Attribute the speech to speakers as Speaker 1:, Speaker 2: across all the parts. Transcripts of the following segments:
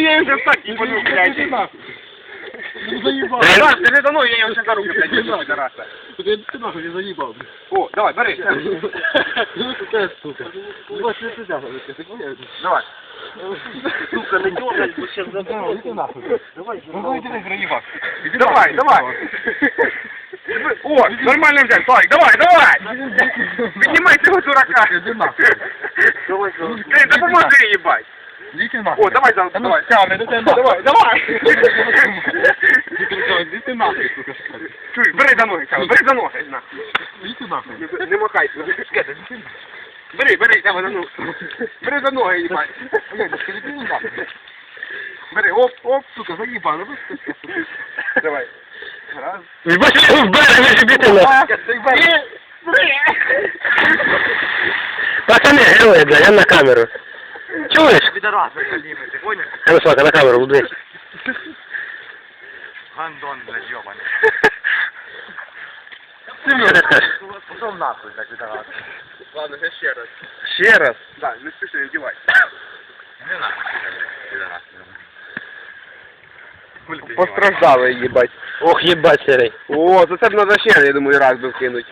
Speaker 1: я уже встать не буду, блядь.
Speaker 2: Ну заебал.
Speaker 1: Саш, ты за мной, я его сейчас за руки, блядь, держу, пидораса.
Speaker 2: Ты нахуй не заебал.
Speaker 1: О, давай, бери.
Speaker 2: Ну какая сука. Вот ты сюда, ты понял?
Speaker 1: Давай.
Speaker 2: Сука, не дёргай, мы сейчас забрал. Иди нахуй. Давай,
Speaker 1: Давай, давай. О, нормально взял, Славик, давай. Поднимай этого дурака.
Speaker 2: Иди нахуй. Давай,
Speaker 1: Ты, да поможи, ебать.
Speaker 2: Иди нахуй.
Speaker 1: О, давай, давай.
Speaker 2: Давай.
Speaker 1: Давай.
Speaker 2: Иди ты нахуй, сука.
Speaker 1: Чуй, бери за ноги, бери за ноги, на.
Speaker 2: Иди нахуй.
Speaker 1: Не махайся. Бери, давай за ноги. Бери за ноги, ебать. Бери, оп,
Speaker 2: Сука, заебал.
Speaker 1: давай. Раз.
Speaker 3: Ебать, в берег вибітина. Пацани, герої, блядь, я на камеру. Чуєш?
Speaker 2: Пидорас, поднимай, ты понял?
Speaker 3: А ну, Славка, на камеру, блядь.
Speaker 2: Гандон, блядь, ёбаный.
Speaker 3: Що ти скажеш?
Speaker 2: Пошел нахуй, так, пидорас.
Speaker 1: Ладно, сейчас ще раз.
Speaker 3: Ще раз.
Speaker 1: Да, не спеши, не одевай.
Speaker 2: Не нахуй, пидорас.
Speaker 1: Постраждали, їбать.
Speaker 3: Ох, єбать, Серий.
Speaker 1: О, за це б надо ще, я думаю, раз би вкинуть.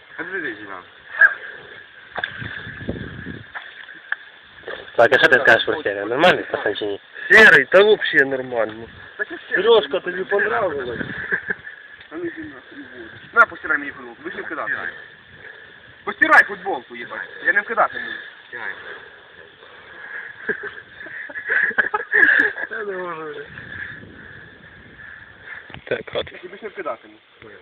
Speaker 3: Так, а що ти скажеш про Серію? Нормальний пацан чи ні?
Speaker 2: Серый, да вообще нормально.
Speaker 1: Сережка,
Speaker 2: тобі понравилось?
Speaker 1: На, постирай мені футболку, ви ж не вкидати. Постирай футболку, їбать. Я не вкидати буду.
Speaker 3: Так, от.
Speaker 1: Я тобі ж не вкидатиму.